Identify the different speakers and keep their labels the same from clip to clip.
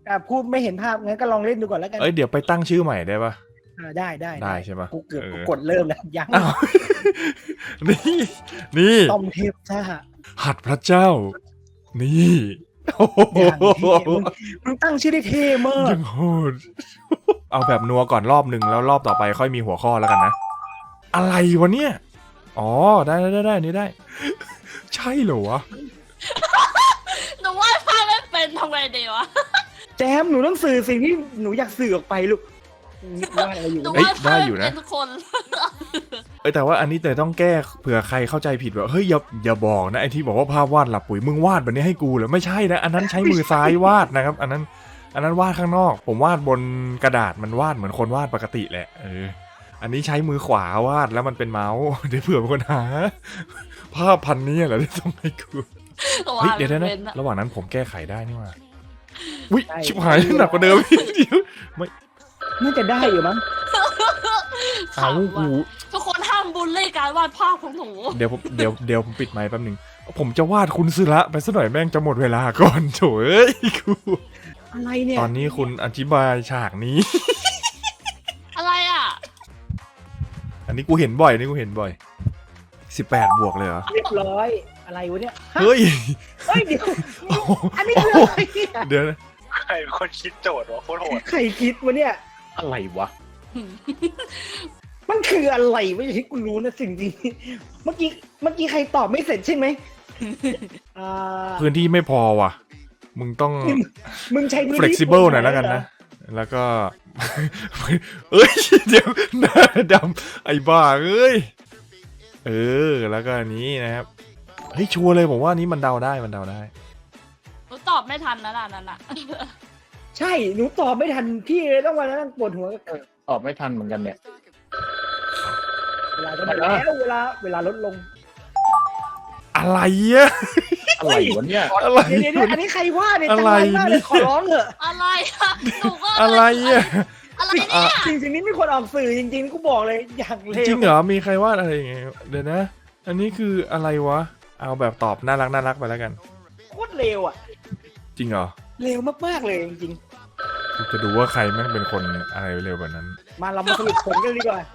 Speaker 1: พูดไม่เห็นภาพงั้นก็ลองเล่นดูก่อนแล้วกัน
Speaker 2: เดี๋ยวไปตั้งชื่อใหม่ได้ปะ
Speaker 1: ได้
Speaker 2: ใช่ปะ
Speaker 1: กูเกือบกดเริ่มแล้วยัง
Speaker 2: นี่
Speaker 1: ต้อมเทพจ้า
Speaker 2: หัดพระเจ้านี่
Speaker 1: มึงตั้งชื่อได้เท่มาก
Speaker 2: ยังโหดเอาแบบนัวก่อนรอบหนึ่งแล้วรอบต่อไปค่อยมีหัวข้อแล้วกันนะอะไรวะเนี่ยอ๋อได้นี่ได้ใช่เหรอวะ
Speaker 3: หนูว่าภาพไม่เป็นทำไงดีวะ
Speaker 1: แจมหนูต้องสื่อสิ่งที่หนูอยากสื่อออกไปลูกว่าอะไรอยู่
Speaker 2: ได้อยู่นะ
Speaker 3: ทุกคน
Speaker 2: แต่ว่าอันนี้แต่ต้องแก้เผื่อใครเข้าใจผิดว่าเฮ้ยอย่าบอกนะไอ้ที่บอกว่าภาพวาดหลับปุ๋ยมึงวาดแบบนี้ให้กูเหรอไม่ใช่นะอันนั้นใช้มือซ้ายวาดนะครับอันนั้นวาดข้างนอกผมวาดบนกระดาษมันวาดเหมือนคนวาดปกติแหละอันนี้ใช้มือขวาวาดแล้วมันเป็นเมาส์เดี๋ยวเผื่อคนหาภาพพันนี้เหรอที่ต้องให้กูเฮ้ยเดี๋ยวนะระหว่างนั้นผมแก้ไขได้นี่ว่าอุ้ยชิบหายหนักกว่าเดิมเดี๋ยวไม่
Speaker 1: น่าจะได้อยู่มั้ง
Speaker 2: เอาหู
Speaker 3: ทุกคนห้ามบูลลี่การวาดภาพของหนู
Speaker 2: เดี๋ยวผมปิดไมค์แป๊บนึงผมจะวาดคุณซึระไปซะหน่อยแม่งจะหมดเวลาก่อนโถ่เอ้ยกู
Speaker 1: อะไรเนี่ย
Speaker 2: ตอนนี้คุณอธิบายฉากนี้
Speaker 3: อะไรอ่ะ
Speaker 2: อันนี้กูเห็นบ่อย18 บวกเลยเหรอ
Speaker 1: เรียบร้อยอะไรวะเนี่ย
Speaker 2: เฮ้ย
Speaker 1: เดี๋ยวอันนี้คืออะไร
Speaker 2: เดี๋ยวนะ
Speaker 4: ใครเป็นคนคิดโจทย์วะโคตรโหด
Speaker 1: ใครคิดวะเนี่ย
Speaker 2: อะไรวะ
Speaker 1: มันคืออะไรไม่ใช่กูรู้นะสิ่งที่เมื่อกี้ใครตอบไม่เสร็จใช่ไหม
Speaker 2: พื้นที่ไม่พอว่ะมึงต้อง
Speaker 1: มึงใช้
Speaker 2: flexible หน่อยแล้วกันนะแล้วก็เอ้ยเดี๋ยวหน้าดำไอ้บ้าเอ้ยแล้วก็อันนี้นะครับเฮ้ยชัวร์เลยผมว่านี้มันเดาได้ห
Speaker 3: นูตอบไม่ทันนะนั่นน่ะ
Speaker 1: ใช่หนูตอบไม่ทันพี่เลยต้องมานั่งปวดหัว
Speaker 5: ตอบไม่ทันเหมือนกันเนี่ย
Speaker 1: เวลาจะหมดแล้วเวลาลดลง
Speaker 2: อะไรอะ
Speaker 5: อะไรวะเนี่ย
Speaker 2: อะไร
Speaker 1: อันนี้ใครว่าเนี่ยจังไรมากเลยขอร้องเถอะ
Speaker 3: อะไรอะหนูก็
Speaker 2: อะไรอะ
Speaker 3: อะไรเนี่ย
Speaker 1: สิ่งนี้ไม่ควรออกสื่อจริงๆกูบอกเลยอย่างเลว
Speaker 2: จริงเหรอมีใครวาดอะไรอย่างเงี้ยเดี๋ยวนะอันนี้คืออะไรวะเอาแบบตอบน่ารักไปแล้วกัน
Speaker 1: โคตรเลวอ่ะ
Speaker 2: จริงเหรอ
Speaker 1: เลวมากๆเลยจริง
Speaker 2: ๆจะดูว่าใครแม่งเป็นคนอะไรเร็วแบบนั้น
Speaker 1: มาเรามาสรุปผลกันดีกว่า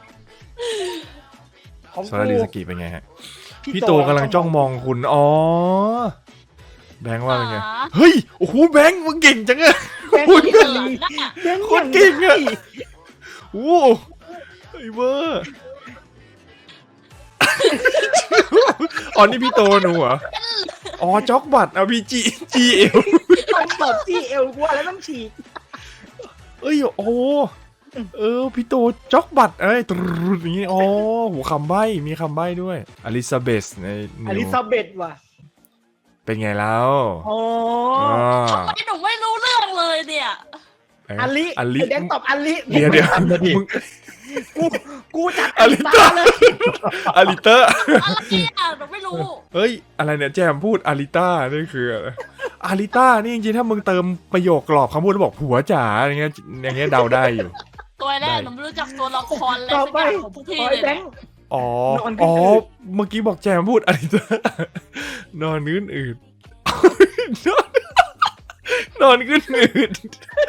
Speaker 2: ของโซลาริสกิเป็นไงฮะพี่โตกำลังจ้องมองคุณอ๋อแบงค์ว่าเป็นไงเฮ้ยโอ้โหแบงค์มึงเก่งจังอะ
Speaker 1: คุณ
Speaker 2: คนเก่งอะโอ้ไอ้เวอร์อ๋อนี่พี่โตหนูเหรออ๋อจ็อกบัตรเอาพี่จีเอล
Speaker 1: ต้องตบจีเอลกว่าแล้วต้องฉีก
Speaker 2: โอ้พี่โตจ็อกบัตรตรุดอย่างนี้อ๋อหูคำใบ้มีคำใบ้ด้วยอลิซาเบธใน
Speaker 1: อลิซาเบธว่ะ
Speaker 2: เป็นไงแล้ว
Speaker 1: อ๋อ
Speaker 3: ทำไมหนูไม่รู้เรื่องเลยเนี่ย
Speaker 1: อลิแดงตอบอลิ
Speaker 2: เดี๋ยว
Speaker 1: กูจัด
Speaker 2: อลิต้าเลยอลิต้า
Speaker 3: อะไรอ่ะหนูไม่รู้
Speaker 2: เฮ้ยอะไรเนี่ยแจมพูดอลิต้านี่คืออะไรอลิต้านี่จริงๆถ้ามึงเติมประโยคกรอบคำพูดแล้วบอกผัวจ๋าอย่างเงี้ยเดาได้อยู่
Speaker 3: ตัวแรกหนูไม่รู้จักตัวละครเลยสักอย่างของพวกพี่เลย
Speaker 2: อ๋อเมื่อกี้บอกแจมพูดอลิต้านอนอื่นนอนขึ้นอืด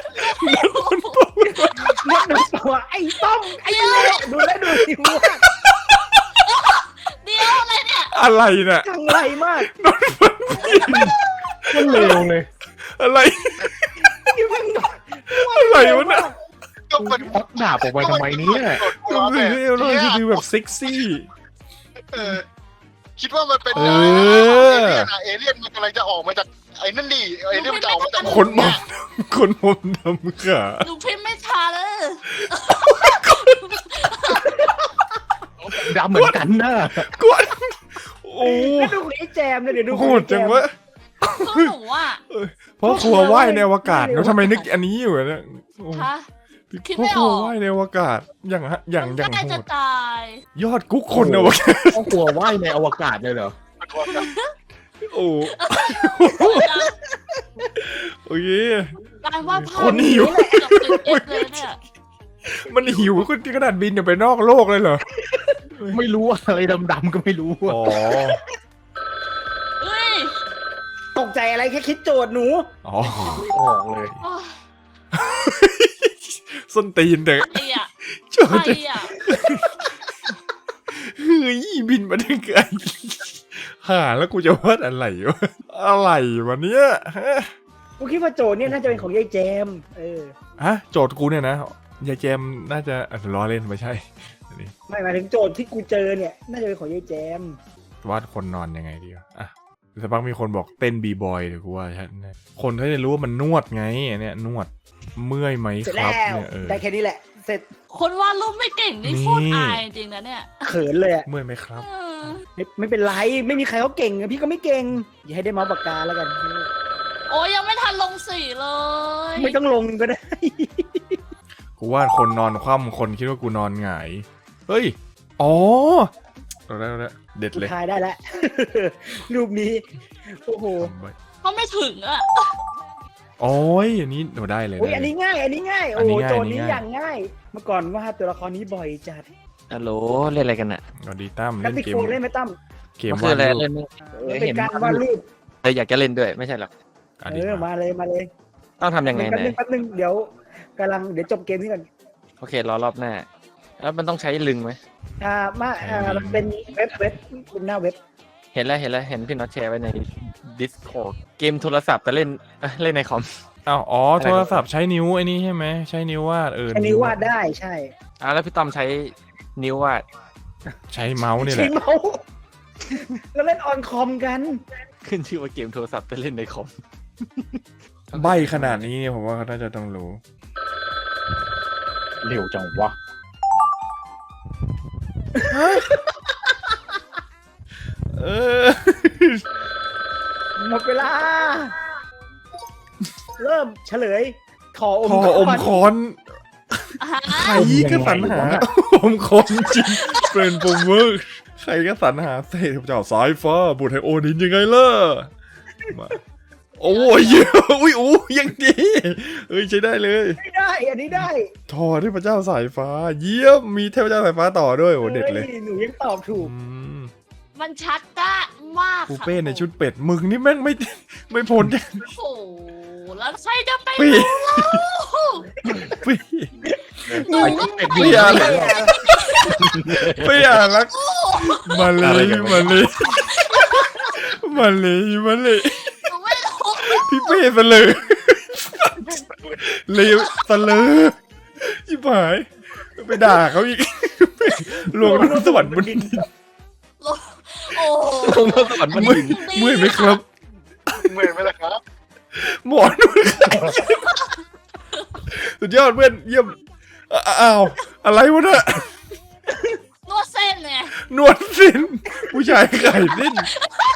Speaker 1: นอนตัวไอ้ต้มไอ้เละดูแลดูสิวะ
Speaker 3: เดี๋ยวอะไรเนี่ย
Speaker 2: อะไรเนี่ย
Speaker 1: จังไรมาก
Speaker 2: นอน
Speaker 5: มันเลวเลย
Speaker 2: อะไรอะไรวะเนี่ย
Speaker 5: ก็มันพักดาบออกไปทำไมเนี่ย
Speaker 2: ดูแบบเซ็กซี่
Speaker 4: คิดว่ามันเป็นเอเลี่ยนมันกำลังจะออกมาจากไอ้นั่นดิไอ้เรื่องมันจะออกมาจาก
Speaker 2: คนผมดำขา
Speaker 3: หนูพิมพ์ไม่ทันเลย
Speaker 5: ดำเหมือนกันนะ
Speaker 2: กวนโอ้
Speaker 1: ดูไอ้แจมเลยเดี๋ยวดู
Speaker 2: โหดจังวะ
Speaker 3: หนูอ่ะ
Speaker 2: เพราะครัวว่ายในอวกาศแล้วทำไมนึกอันนี้อยู่เนี่ย
Speaker 3: คิดไม่ออก
Speaker 2: ว่ายในอวกาศอย่างโหดยอดกุ๊กคนอวกาศ
Speaker 5: ครัวว่ายในอวกาศเลยเหรอ
Speaker 2: โอ้โอเค
Speaker 3: การว่า
Speaker 2: คนหิวมันหิวคนที่ขนาดบินอยู่ไปนอกโลกเลยเหรอ
Speaker 5: ไม่รู้อะไรดำๆก็ไม่รู้
Speaker 2: อ๋อ
Speaker 1: ตกใจอะไรแค่คิดโจทย์หนู
Speaker 2: อ๋อ
Speaker 5: ออกเลย
Speaker 2: ส้นตีนเด็ก
Speaker 3: ใครอ่ะ
Speaker 2: โจท
Speaker 3: ใคร
Speaker 2: ย์
Speaker 3: อ่ะ
Speaker 2: เฮ้ยบินมาได้ไงหาแล้วกูจะวาดอะไรวะอะไรวะเนี้ยฮะ
Speaker 1: กูคิดว่าโจทย์เนี่ยน่าจะเป็นของยายแจม
Speaker 2: ฮะโจทย์กูเนี่ยนะยายแจมน่าจะล้อเล่นไม่ใช่อันนี้
Speaker 1: ไม่หมายถึงโจทย์ที่กูเจอเนี่ยน่าจะเป็นของยายแจม
Speaker 2: วาดคนนอนยังไงดีวะอ่ะสักพักมีคนบอกเต้นบีบอยเดี๋ยวกูว่าฉันคนเขาจะรู้ว่ามันนวดไงเนี่ยนวดเมื่อยไหม
Speaker 1: เสร็จ
Speaker 2: ค
Speaker 1: แล้
Speaker 2: รับ
Speaker 1: ว
Speaker 2: เนี่ย
Speaker 1: ได้แค่นี้แหละ เสร็จ
Speaker 3: คนวาดรูปไม่เก่งนี่โคตรอายจริงนะเนี่ย
Speaker 1: เขินเลยอะ
Speaker 2: เมื่อยไหมครับ
Speaker 3: เออ
Speaker 1: ไม่เป็นไรไม่มีใครเขาเก่งอะพี่ก็ไม่เก่งอย่าให้ได้เมาส์ปากกาแล้วกัน
Speaker 3: โอ้ยยังไม่ทันลงสีเลย
Speaker 1: ไม่ต้องลงก็ได้
Speaker 2: กูวาดคนนอนคว่ำคนคิดว่ากูนอนหงายเฮ้ยอ๋อเราได้เด็ดเลย
Speaker 1: ทายได้แล้ว รูปนี้โอ้โห
Speaker 3: เขาไม่ถึงอ่ะ
Speaker 2: โอ้ยอันนี้เราได้เลย
Speaker 1: โอ้ยอันนี้ง่าย อันนี้ง่าย
Speaker 2: อั
Speaker 1: โอ้
Speaker 2: น
Speaker 1: โห
Speaker 2: นี้ง่าย
Speaker 1: โจทย์นี้
Speaker 2: อันนี้ง่าย
Speaker 1: อย่างง่าย เมื่อก่อนวาดตัวละครนี้บ่อยจัด
Speaker 6: ฮัลโหลเล่นอะไรกันอ่ะ
Speaker 2: สวัสดีตั้ม
Speaker 1: กรา
Speaker 2: เล่น
Speaker 1: ฟิก
Speaker 2: เกม
Speaker 1: โฟนเล่นไหมตั้ม
Speaker 2: เกม
Speaker 6: มันคือ
Speaker 2: วาด
Speaker 6: อะไร
Speaker 2: รูป
Speaker 6: เล่นไม่
Speaker 1: เป็นการวาดรูป
Speaker 6: อยากจะเล่นด้วยไม่ใช่หรอก
Speaker 2: อ่ะดี
Speaker 1: มาเลยมาเลย
Speaker 6: ต้องทำยังไง
Speaker 1: แป๊บ
Speaker 6: นะ
Speaker 1: นึงแป๊บนึงเดี๋ยวจบเกมนี้ก่อน
Speaker 6: โอเครอรอบหน้า แล้วมันต้องใช้ลึงไหม
Speaker 1: มันเป็นเว็บเป็นหน้าเว็บ
Speaker 6: เห็นแล้วเห็นพี่น็อตแชร์ไว้ใน Discord เกมโทรศัพท์แต่เล่นเล่นในคอม
Speaker 2: อ้าวอ๋อโทรศัพท์ใช้นิ้วไอ้นี่ใช่ไหมใช้นิ้ววาด
Speaker 1: อันนี้วาดได้ใช่
Speaker 6: แล้วพี่ต้อมใช้นิ้ววาด
Speaker 2: ใช้เมาส์นี่แห
Speaker 1: ใช้
Speaker 2: ละ
Speaker 1: เมาส์แล้วเล่นออนคอมกัน
Speaker 6: ขึ้นชื่อว่าเกมโทรศัพท์แต่เล่นในคอม
Speaker 2: ใบขนาดนี้เนี่ยผมว่าเขาน่าจะต้องรู้
Speaker 5: เร็วจังวะ
Speaker 2: เออ
Speaker 1: หมดเวลา เริ่มเฉลยขออม
Speaker 2: พออม
Speaker 1: ก่น
Speaker 2: ค้อน
Speaker 3: อ่าฮะ
Speaker 2: ใครก็สรรหาอมค้อนจริงเป็นปุ่มเวิร์กใครก็สรรหาเศษเจ้าสายฟ้าบุตรไฮโอดินยังไงล่ะมาโอ้ยเยอะอุ้ยอู้ยังดีเอ้ยใช้ได้เลย
Speaker 1: ไม่ได้ อันนี้ได้
Speaker 2: ทอเทพเจ้าสายฟ้า เยี่ยมมีเทพเจ้าสายฟ้าต่อด้วยโอ้เด็ดเลย
Speaker 1: ฮ้หนูยังตอบถูก
Speaker 2: อืม
Speaker 3: มันชัดจ้ามาก
Speaker 2: ปู
Speaker 3: ค่ะ
Speaker 2: เป้ในชุดเป็ดมึงนี่แม่งไม่พ้น
Speaker 3: โอ้โหแล้วใครจะไป
Speaker 2: ปี้
Speaker 3: รู้
Speaker 2: ปี้
Speaker 3: หนูก็
Speaker 2: ปี้อะไรปี้อะไรมาเลยมาเลยมาเลยมาเลย
Speaker 3: หนูไม่รู้
Speaker 2: พี่เป้ซะเลยเลวซะเลยชิบหายไปด่าเขาอีกลวงน้ำสวรรค์บนดิน
Speaker 3: โอ้
Speaker 6: ลงมาสวรรค์มันดิน
Speaker 2: เมื่อยไหมครับ
Speaker 4: เมื่อยไหมล่ะครับ
Speaker 2: หมอนวดสุดยอดเพื่อนเยี่ยมอ้าวอะไรวะเนี่ย
Speaker 3: นวดเส้นไง
Speaker 2: นวดสินผู้ชายขายเส้น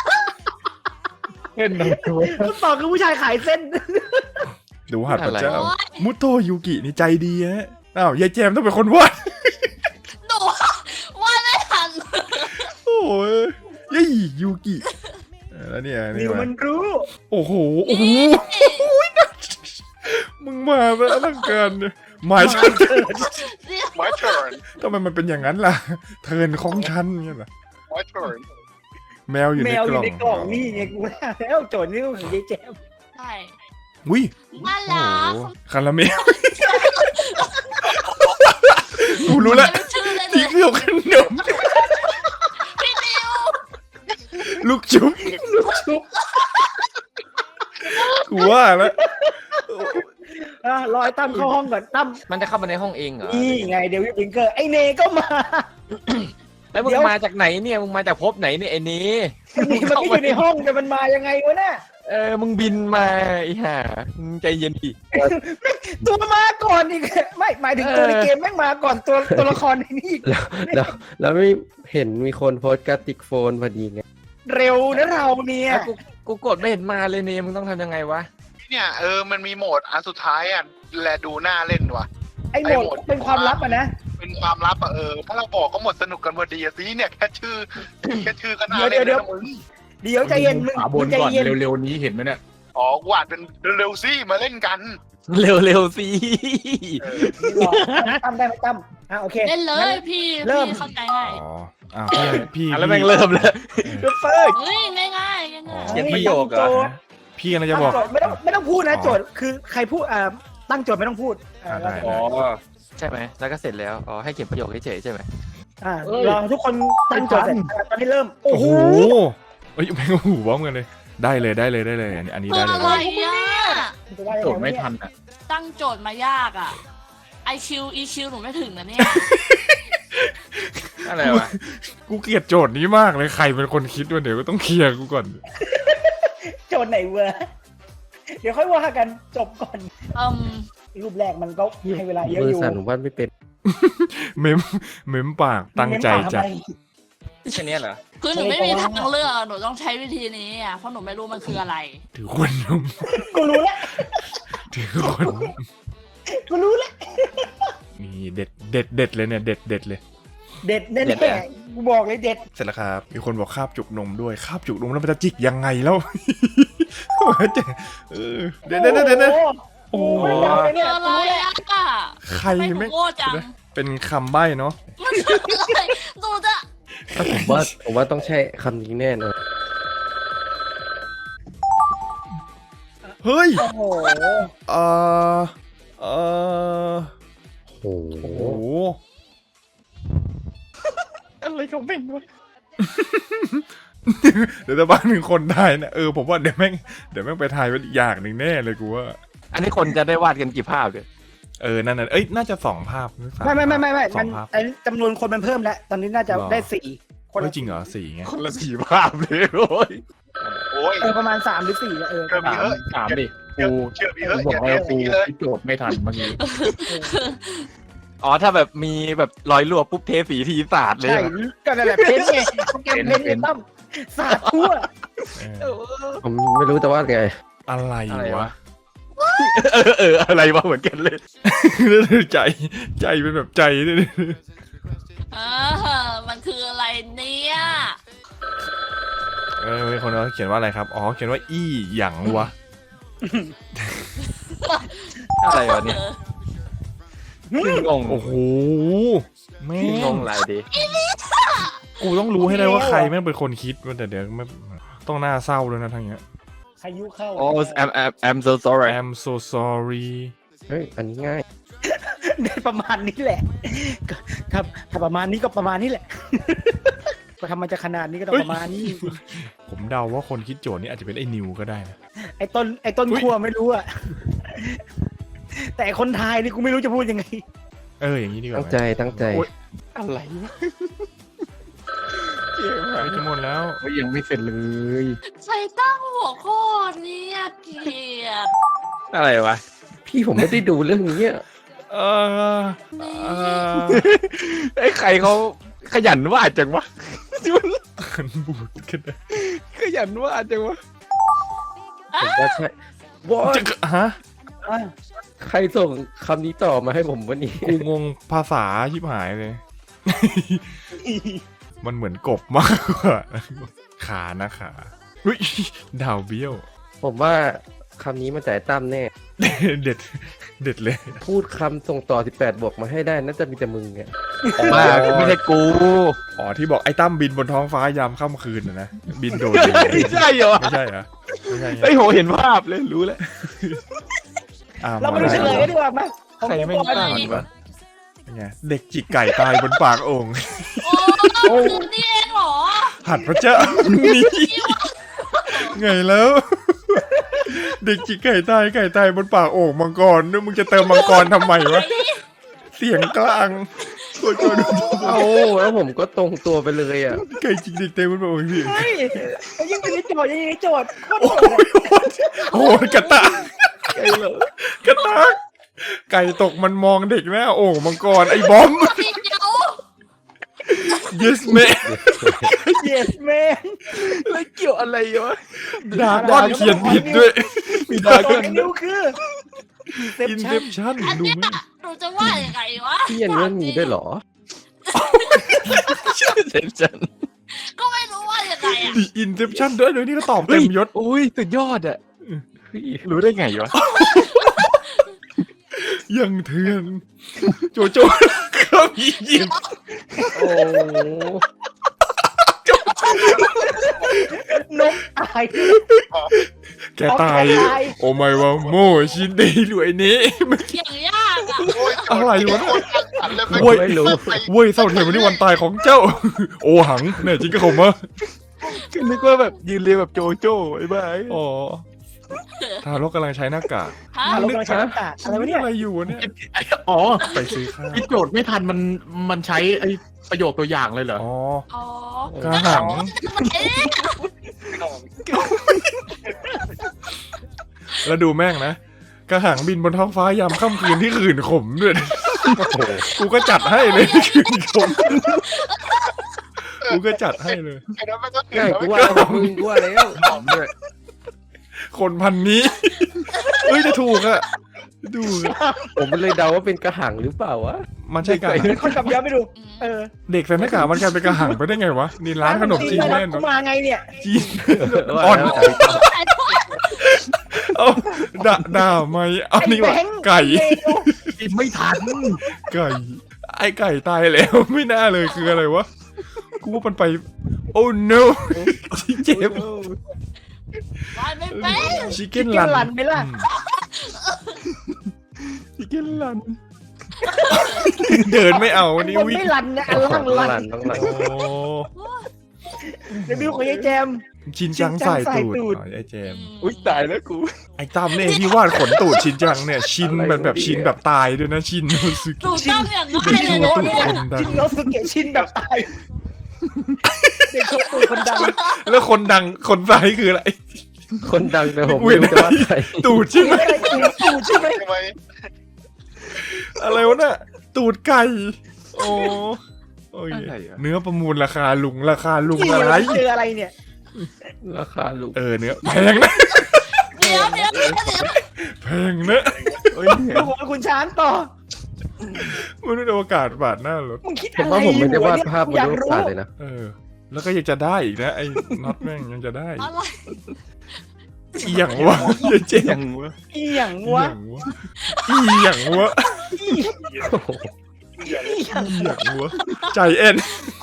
Speaker 5: เล่นหนังตัว
Speaker 1: คำตอบคือผู้ชายขายเส้น
Speaker 2: ดูหัดพระเจ้า
Speaker 3: โอ๊ย
Speaker 2: มุโตะยูกินี่ใจดีฮะอ้าวยายแจมต้องเป็นคนวาด
Speaker 3: หนูว่าไม่ทัน
Speaker 2: โอ้ยยี่ยูกิแล้วเนี่ย
Speaker 1: นิ
Speaker 2: นี่
Speaker 1: ว
Speaker 2: มา
Speaker 1: มันรู้
Speaker 2: โอ้โหโอ้โหมึงมาแบบอลังการเนี่ยหมายฉัน
Speaker 4: my turn
Speaker 2: ทำไมมันเป็นอย่างนั้นล่ะ เทิร์นของฉันเนี่ยเหรอ
Speaker 4: my turn
Speaker 2: แมวอยู่
Speaker 1: แม
Speaker 2: ใน
Speaker 1: วอก
Speaker 2: ล่
Speaker 1: ยู่
Speaker 2: อง
Speaker 1: ในกล่องนี่ไงกูว่าแล้วโจทย์นี่ก็ของยายแจม
Speaker 3: ใช่
Speaker 2: อุ้ย
Speaker 3: น่า
Speaker 2: โอ้
Speaker 3: รัก
Speaker 2: โหคาราเมลกูรู้แล้ว
Speaker 3: ไม่ชื่อเลย
Speaker 2: ที่
Speaker 3: นะ
Speaker 2: เคลือบขนม
Speaker 3: พี่นิว
Speaker 2: ลูกชุบกูว่าแล้ว
Speaker 1: รอไอ้ตั้มเข้าห้องก่อนตั้ม
Speaker 6: มันจะเข้ามาในห้องเองเหรอ
Speaker 1: นี่ไงเดวิดวิงเกอร์ไอเนก็มา
Speaker 6: แล้วมึง
Speaker 1: เดี๋ยว
Speaker 6: มาจากไหนเนี่ยมึงมาจากภพไหนเนี่ยไอ้นี้
Speaker 1: นี่มันก็อยู่ในห้องแต่มันมายังไงวะน่ะ
Speaker 6: มึงบินมาไอ้ห่ามึงใจเย็นดิ
Speaker 1: ตัวมาก่อนอีกไม่หมายถึงตัวในเกมแม่งมาก่อนตัวละครในนี่อีก
Speaker 7: แล้วไม่เห็นมีคนโพสต์กระติกโฟนพอดีไง
Speaker 1: เร็วนะเราเนี่ย
Speaker 6: แล้วกูกดไม่เห็นมาเลยเนี่ยมึงต้องทำยังไงวะ
Speaker 4: เนี่ยมันมีโหมดอันสุดท้ายอ่ะแลดูหน้าเล่นว่ะ
Speaker 1: ไอโหมดเป็นความลับอ่ะนะ
Speaker 4: เป็นความลับอ่ะถ้าเราบอกก็หมดสนุกกันพอดีอะสิเนี่ยแค่ชื่อก็น่า
Speaker 1: เดี๋
Speaker 4: เล่
Speaker 1: ยวน
Speaker 4: แล้วนะมึง
Speaker 1: เดี๋ยวใจเย็นมึง
Speaker 5: ขวาบ
Speaker 1: มึ
Speaker 5: น
Speaker 1: งใจ
Speaker 5: ก่อน
Speaker 1: เย็น
Speaker 5: เร็วๆนี้เห็นไหมเนี่ย
Speaker 4: อ๋อกูอ่านเป็นเร็วๆสิมาเล่นกัน
Speaker 6: เร็วๆสิ
Speaker 1: ตั้มได้ไหมตั้มโอเค
Speaker 3: เล่นเลยพี่
Speaker 1: เริ่ม
Speaker 3: พี่เข้าใจง่าย
Speaker 2: อ๋ออ้าวพี่
Speaker 6: แล้วแม่งเริ่มแล้ว
Speaker 1: เฟิร์ส
Speaker 3: เฮ้ยง่ายง่ายง่าย
Speaker 6: เขียนประโยคเหรอ
Speaker 2: พี่กำลังจะบอก
Speaker 1: ไม่ต้องพูดนะโจทย์คือใครพูดตั้งโจทย์ไม่ต้องพูด
Speaker 2: ได้
Speaker 6: อ๋อใช่ไหมแล้วก็เสร็จแล้วอ๋อให้เขียนประโยคเฉยๆใช่ไหม
Speaker 1: รอทุกคนตั้งโจทย์เสร็จตอนนี้เริ่มโอ้
Speaker 2: โอ้
Speaker 1: โห
Speaker 2: โหเอ้ยแม่งโอ้โหพร้อมกันเลยได้เลยอันนี้
Speaker 3: คือ
Speaker 2: ได้
Speaker 3: อะ
Speaker 2: เล
Speaker 3: ไร
Speaker 2: ย
Speaker 3: อ่ะ
Speaker 1: จะว่ายัง
Speaker 5: โจ
Speaker 1: ง
Speaker 5: ทย์ไม่ทันอ่ะ
Speaker 3: ตั้งโจทย์มายากอ่ะ IQ EQ หนูไม่ถึงนะเนี่ย
Speaker 6: อะไรวะ
Speaker 2: กูเกลียดโจทย์นี้มากเลยใครเป็นคนคิดวะเดี๋ยวก็ต้องเคลียร์กูก่อน
Speaker 1: โจทย์ไหนเวอร์เดี๋ยวค่อยว่ากันจบก่อน
Speaker 3: อืม
Speaker 1: รูปแรกมันก็ให้เวลาเยอะ
Speaker 7: มื
Speaker 1: อ
Speaker 7: อยู่ สั่นผมวาดไม่เป็น
Speaker 2: เมมปากตั้งใจจัด
Speaker 6: แค่เนี้ยเหรอ
Speaker 3: คือหนูไม่มีทางเลือกหนูต้องใช้วิธีนี้อ่ะเพราะหนูไม่รู้มันคืออะไร
Speaker 2: ถือคนนม
Speaker 1: กูรู้แล้ว
Speaker 2: ถือคนนม
Speaker 1: กูรู้แล้ว
Speaker 2: นี่เด็ดเลยเนี่ยเด็ดเลย
Speaker 1: เด็ดแน่ๆกูบอกเลยเด็ด
Speaker 2: เสร็จแล้วครับมีคนบอกคาบจุกนมด้วยคาบจุกนมแล้วมันจะจิกยังไงแล้ว เดี๋ยว
Speaker 1: โอ้โหยาวเลย
Speaker 3: คื
Speaker 1: เนี่
Speaker 3: อย อะไรอ่ะ
Speaker 2: ใคร
Speaker 3: ไม่หนู
Speaker 2: ไม่
Speaker 3: โง่จัง
Speaker 2: เป็นคำใบ้เนาะ
Speaker 3: มันคืออะไรหนูจะ
Speaker 7: ผมว่าต้องใช่คำนี้แน่นอน
Speaker 2: เฮ้ย
Speaker 1: โอ้โห
Speaker 2: เออ
Speaker 7: โอ้โห
Speaker 2: โอ้โห
Speaker 6: อะไรของแม่งวะ
Speaker 2: เดี๋ยวจะบ้านหนึ่งคนได้นะผมว่าเดี๋ยวแม่งไปทายเป็นอีกอย่างหนึ่งแน่เลยกูว่า
Speaker 6: อันนี้คนจะได้วาดกันกี่ภาพเนี่ย
Speaker 2: นั่นน่ะน่าจะ2 ภาพหรือ3
Speaker 1: ไม่
Speaker 2: ส
Speaker 1: มั
Speaker 2: อน งภาพ
Speaker 1: อันนี้จำนวนคนมันเพิ่มแล้ว ตอนนี้น่าจะ
Speaker 2: หรอ
Speaker 1: ได้4คน
Speaker 2: เฮ้ยจริงเหรอ4ไง
Speaker 6: คนละสี่ภาพเลยโอ้ย
Speaker 4: โอ้ย
Speaker 1: ประมาณ3หรือ4แล้ว
Speaker 4: เชื่อพี่เฮ้ย
Speaker 5: ถามดิ
Speaker 4: เชื่อ
Speaker 5: กู
Speaker 4: เชื่อพี่
Speaker 5: กู
Speaker 4: เฮ้ย
Speaker 5: บอก
Speaker 4: อย่า
Speaker 5: แล้ว
Speaker 4: เท
Speaker 5: กู
Speaker 4: สีเลย
Speaker 5: คิดโจทย์ไม่ทันเมื่อกี้
Speaker 6: อ๋อถ้าแบบมีแบบรอยรั่วปุ๊บเทสีทีสาดเลย
Speaker 1: ใช่
Speaker 6: เหรอ
Speaker 1: ก็นั่นแหละเพ้นไงเกมเพ้นไงตั้มสาดทั่ว
Speaker 2: เออ
Speaker 7: ผมไม่รู้แต่ว่าไง
Speaker 2: อะไร
Speaker 6: อะไร
Speaker 2: วะ
Speaker 6: วะ อะไรวะเหมือนกันเลย
Speaker 2: ใจเป็นแบบใจด้วย
Speaker 3: มันคืออะไรเนี่ย
Speaker 2: มีคนเขาเขียนว่าอะไรครับอ๋อเขียนว่าอี้หยังวะ
Speaker 6: อะไรวะเนี่ยงง
Speaker 2: โอ้โหแม่
Speaker 6: งงหลายดี
Speaker 2: กูต้องรู้ให้ได้ว่าใครแม่งเป็นคนคิดว่าแต่เดี๋ยวไม่ต้องน่าเศร้าด้วยนะทั้งเนี้ย
Speaker 1: พายุเข้า
Speaker 6: โอ้ I'm so sorry
Speaker 2: I'm so sorry
Speaker 7: เฮ้ย อันนี้ง่าย
Speaker 1: ได้ประมาณนี้แหละครับถ้าประมาณนี้ก็ประมาณนี้แหละก็ทำมันจะขนาดนี้ก็ต้องประมาณนี้
Speaker 2: ผมเดาว่าคนคิดโจทย์นี้อาจจะเป็นไอ้นิวก็ได้นะ
Speaker 1: ไอ้ต้นขั้วไม่รู้อะแต่คนทายนี่กูไม่รู้จะพูดยังไง
Speaker 2: อย่างนี้ดีกว่า
Speaker 7: ตั้ง
Speaker 2: ไหม
Speaker 7: ใจตั้งใจ
Speaker 6: โอ๊ย อะไรวะ
Speaker 2: ไปจะหมดแล้ว
Speaker 5: เฮ้ยยังไม่เสร็จเลย
Speaker 3: ใส่ตั้งหัวข้อเนี่ยเกลียด
Speaker 6: อะไรวะ
Speaker 7: พี่ผมไม่ได้ดูเรื่องนี้อะ
Speaker 2: เออ
Speaker 6: ไอ้ใครเขาขยันวาดจังวะ
Speaker 2: ขันบูดกันนะ
Speaker 6: ขยันวาดจังวะ
Speaker 7: ผมว่าใช่ว้า
Speaker 2: จะฮะ
Speaker 7: ใครส่งคำนี้ต่อมาให้ผมวันนี้
Speaker 2: กูงงภาษาชิบหายเลย มันเหมือนกบมากกว่าขานะขาอุ้ยดาวเบี้ยว
Speaker 7: ผมว่าคำนี้มาจากไอ้ตั้มแน่
Speaker 2: เด็ดเลย
Speaker 7: พูดคำส่งต่อ 18 บวกมาให้ได้น่าจะมีแต่มึงเนี่ย
Speaker 6: มาไม่ใช่กู
Speaker 2: อ๋อที่บอกไอ้ตั้มบินบนท้องฟ้ายามค่ำคืนนะ บินโดด
Speaker 6: ไม่ใช่เหรอ
Speaker 2: ไม่ใช่เหรอไม่ใช่ไง
Speaker 6: ไอ้ยโหเห็นภาพเลยรู้แล้ว
Speaker 1: เรามาดูเฉลยกันดีกว่าไหม
Speaker 6: ใครไม่ตั้งวะ
Speaker 2: ไงเด็กจิกไก่ตายบนปากโอ่ง
Speaker 3: โอ้คือนี่เองเหรอ
Speaker 2: หัดพระเจ้านี่ไงแล้ว เด็กจิกไก่ตายบนปากโอ่งมังกรนึกมึงจะเติมมังกรทำไมวะ เสียงกลางโคตร
Speaker 7: เอาแล้วผมก็ตรงตัวไปเลยอ่ะ
Speaker 2: ไก่จิกเด็กเต็มบนปากโอ่งพี่
Speaker 1: เฮ้ยยังอยู่ในโจทย์ยังอยู่ในโจทย์โคตร
Speaker 2: โอ้
Speaker 1: โหด
Speaker 2: ยกระตากไก่เหรอกระตากไก่ตกมันมองเด็กหน้าโอ่งมังกรไอ้บอม
Speaker 3: พี่เดียว
Speaker 2: yes man
Speaker 1: yes man
Speaker 6: แล้วเกี่ยวอะไรวะ
Speaker 2: ดาก้อนเขียนผิดด้วย
Speaker 6: มีดา
Speaker 1: ค
Speaker 6: กัน
Speaker 1: นนิ้วคือ
Speaker 2: Inception
Speaker 3: อัน
Speaker 2: ดู
Speaker 3: เนี้ย
Speaker 2: ไหม
Speaker 3: หนูจะว่ายังไงวะ
Speaker 7: พี่ยันเรื่องนี้ด้วยเหรอ
Speaker 6: เซนชัน
Speaker 3: ก็ไม่รู้ว่ายังไงอ่ะ
Speaker 2: The Inception ด้วยนี่ก็ตอบเต็มยศ
Speaker 6: อุ้ยสุดยอดอ่ะรู้ได้ไงวะ
Speaker 2: ยังเถื่อนโจโจ้เขาอียิปต์
Speaker 7: โอ้
Speaker 1: นกตาย
Speaker 2: แกตาย โอ้ไม่ว่าโมชินเดย์รวยนี้
Speaker 3: อย่างยากอ่ะ
Speaker 4: โอ้ย
Speaker 2: อะไรวะ
Speaker 4: โคตรอันเลย
Speaker 2: โว้ย
Speaker 7: ไม่รู้
Speaker 2: เว้ยเศร้าเทียมวันนี้วันตายของเจ้า โอหังเนี่ยจริงก็ผมอะ
Speaker 6: นึกว่าแบบยืนเรียงแบบโจโจ้ไอ้บ้า
Speaker 2: อ๋อทารกกำลังใช้หน้ากาก
Speaker 3: ฮะ
Speaker 1: ถ้าเรากำลังใช้น้ำตาอะไรวะเนี่ย
Speaker 2: อะไรอยู่วะเนี่ย
Speaker 5: อ๋อ
Speaker 2: ไปซื้อข้าว
Speaker 5: คิดโจทย์ไม่ทันมันใช้ไอ้ประโยคตัวอย่างเลยเหรอ
Speaker 2: อ๋อ
Speaker 3: อ๋อก
Speaker 2: ระหัง
Speaker 3: เอ๊ะ
Speaker 2: แล้วดูแม่งนะกระหังบินบนท้องฟ้ายามค่ำคืนที่ขื่นขมด้วยนะกูก็จัดให้เลยขื่นขมกูก็จัดให้เลย
Speaker 4: ไอ้นั้นมันก็คือ
Speaker 7: ง่าย
Speaker 4: แล้ว
Speaker 7: กู
Speaker 4: ไม่
Speaker 7: ว่าแล้วมึงกูว่าแล้ว
Speaker 5: หอมด้วย
Speaker 2: คนพันนี้เอ้ยจะถูกอะดูอะ
Speaker 7: ผมเลยเดาว่าเป็นกระหังหรือเปล่าวะ
Speaker 2: มันใช่กระหัง
Speaker 1: คนกลับย้อนไปดู เออ
Speaker 2: เด็กใส่หน้ากากมันกลายเป็นกระหังไปได้ไงวะนี่ร้านขนมจีนแน่น
Speaker 1: กูมาไงเนี่ย
Speaker 2: จีน
Speaker 7: ว่า
Speaker 2: อ่อน
Speaker 7: แล้ว
Speaker 2: เอาด่าไหมเอานี่วะ
Speaker 1: ไอ้แบงค์
Speaker 2: ไก่
Speaker 5: กินไม่ทัน
Speaker 2: ไก่ ไอ้ไก่ตายแล้วไม่น่าเลยคืออะไรวะกูว่ามันไป โอ้ no เจ็บ
Speaker 3: วาดไม่เป็น
Speaker 2: ชิคเก้น
Speaker 1: ชิคเก้นรั
Speaker 2: ลั
Speaker 1: น
Speaker 2: น
Speaker 1: ไหมล่ะ
Speaker 2: ชิคเก้นลัน เดินไม่เอาวันนี้
Speaker 1: มัน
Speaker 2: วิ่ง
Speaker 1: ไม่รันนะอันล่าง
Speaker 7: ต้อง
Speaker 1: รั
Speaker 7: รั
Speaker 1: น
Speaker 7: นต้องรัน
Speaker 2: โอ้
Speaker 1: เดี๋ยวดูของยายแจม
Speaker 2: ชินจังใส่ตูด
Speaker 1: ชินจังใส่ตูด
Speaker 2: อ๋อไอ้เจมส์
Speaker 6: อุ้ยตายแล้วกู
Speaker 2: ไอ้ตั้มเนี่ยที่วาดขนตูดชินจังเนี่ย ชินแบบชินแบบตายด้วยนะชินโนซึกิ
Speaker 3: ถูกต้องอย่างง่าย
Speaker 2: ชิ
Speaker 3: เลย
Speaker 2: น
Speaker 3: นะ
Speaker 2: ตูด
Speaker 3: เนี่ย
Speaker 2: คนดั
Speaker 1: ชิ
Speaker 2: ง
Speaker 1: นโนสุเกะชินแบบตายเด็กโชว์ตูดคนดัง
Speaker 2: แล้วคนดังคนซ้ายคืออะไร
Speaker 7: คนดังแต่ผมไม่รู้จะว่าใคร
Speaker 2: ตูดใช่ไหม
Speaker 1: อะไรตูดใช่ไหม
Speaker 4: ทำไม
Speaker 2: อะไรวะน่ะตูดไก่โอ้โอ้ย
Speaker 6: อะไรอะ
Speaker 2: เนื้อประมูลราคาลุง
Speaker 1: นี่
Speaker 2: อะไร
Speaker 1: เราเจออะไรเนี่ย
Speaker 7: ราคาลูก
Speaker 2: เนื้อแพงนะ
Speaker 3: เดี๋ยว
Speaker 2: แพงนะ
Speaker 6: เอ้ย
Speaker 1: ดูของคุณช้างต่อ
Speaker 2: มนุษย์อวกาศบาดหน้ารถ
Speaker 1: มึงคิด
Speaker 7: ผม
Speaker 1: อะไร
Speaker 7: ว่าผมไม่ได้วาด
Speaker 1: อยู่
Speaker 7: ภาพบน
Speaker 1: อยาก
Speaker 7: โลก
Speaker 1: รู้
Speaker 7: ศาสตร์เลยนะ
Speaker 2: แล้วก็ยังจะได้อีกนะไอ้น็อตแม่งยังจะได้
Speaker 3: อะไร
Speaker 2: อีหยังวะเหี้ยเจ๊
Speaker 6: ยังวะ
Speaker 1: อีหยังวะ
Speaker 2: อีหยังวะ
Speaker 1: อีหยังวะ
Speaker 2: ใจเอ็น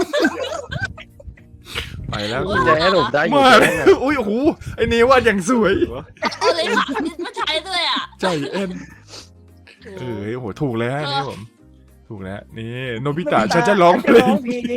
Speaker 2: ไปแล้ว
Speaker 7: คุณจะให้ผมได้อยู่
Speaker 2: มา
Speaker 7: แค่
Speaker 2: เล
Speaker 7: นั้
Speaker 2: ย
Speaker 7: นน่ะ
Speaker 2: อุ้ยโอ้โหไอ้เนวาดอย่างสวย
Speaker 3: เอาเลยค่ะไม่ใช้ด้วยอ่ะ
Speaker 2: ใจเอ็นโอ้โหถูกแล้วนี่ผม ถูกแล้วนี่โนบิตะฉันจะร้องเพลง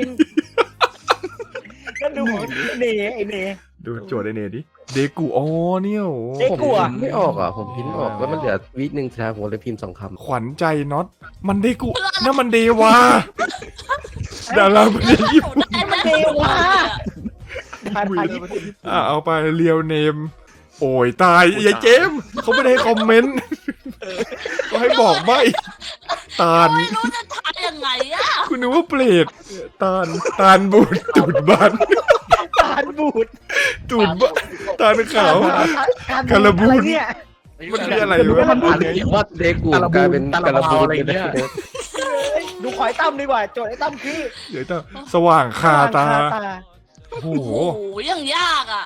Speaker 1: แล้วดูของเนไอเน
Speaker 2: ดูโจทย์ไอเนดิเดกูอ๋อเนี่ยโอ้
Speaker 1: เด็ก
Speaker 7: ผม
Speaker 1: กลัว
Speaker 7: พิมพ์ไม่ออกอ่ะ ผมพิมพ์ไม่ออกแล้วมันเหลือวิหนึ่งสุดท้ายผมเลยพิมพ์2 คำ
Speaker 2: ขวัญใจน็อตมันเดกูนั่นมันเดวาดาราประเทศญี่ปุ่น
Speaker 3: ได้ไหม
Speaker 1: เนวาทานไทยญี่ปุ่น
Speaker 2: เอาไปเรียวเนม โอ้ยตายยายเจมส์เขาไม่ได้ให้คอมเมนต์ก็ให้บอกใบตาล
Speaker 3: ไม่รู้จะทายยังไงอ่ะ
Speaker 2: คุณนึกว่าเปรตตาลบูดตูดบาน
Speaker 1: ทานบูด
Speaker 2: ตูดบานตาลขาว
Speaker 1: ทานบูดอะไรเนี่ย
Speaker 2: มันคืออะไร
Speaker 5: รู้
Speaker 2: วะ
Speaker 5: ว่ามันผ่านเลย
Speaker 7: ว่าเดกูกลายเป็นกระบูอะไรเนี่ย
Speaker 1: ดูขอยตั้มดีกว่า โจทย์ไอ้ตั้มคือ
Speaker 2: เดี๋ยวต้องสว่างคาตา โอ้โห
Speaker 3: โอ้โหยังยากอ่ะ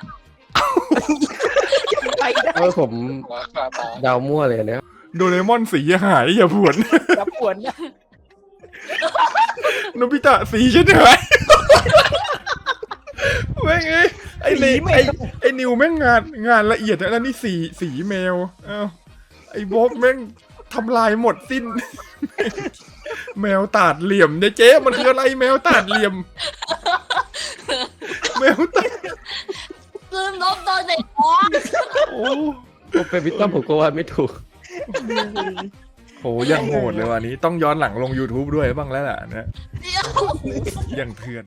Speaker 1: ไปได้
Speaker 7: ผม
Speaker 4: หัวขาตา
Speaker 7: เดามั่วเลยอันเนี้ย
Speaker 2: โดเรมอนสีหายอย่าผวน
Speaker 1: กับปวนนะ
Speaker 2: โนบิตะสีฉันหายแม่งไอ้ไอ้นิวแม่งงานละเอียดนะแล้วนี่สีแมวอ้าวไอ้บ๊อบแม่งทำลายหมดสิ้น แมวตาดเหลี่ยมเนี่ยเจ๊มันคืออะไรแมวตาดเหลี่ยม แมวตาด
Speaker 3: ลืมลบตอนเด็กอ๋อ
Speaker 2: โอ้
Speaker 7: ผมเป็นวิตต้อมผมก็วาดไม่ถูก
Speaker 2: โหยังโหดเลยวันนี้ต้องย้อนหลังลง YouTube ด้วยบ้างแล้วล่ะนะ
Speaker 3: เดี๋ยว
Speaker 2: ยังเถื่อน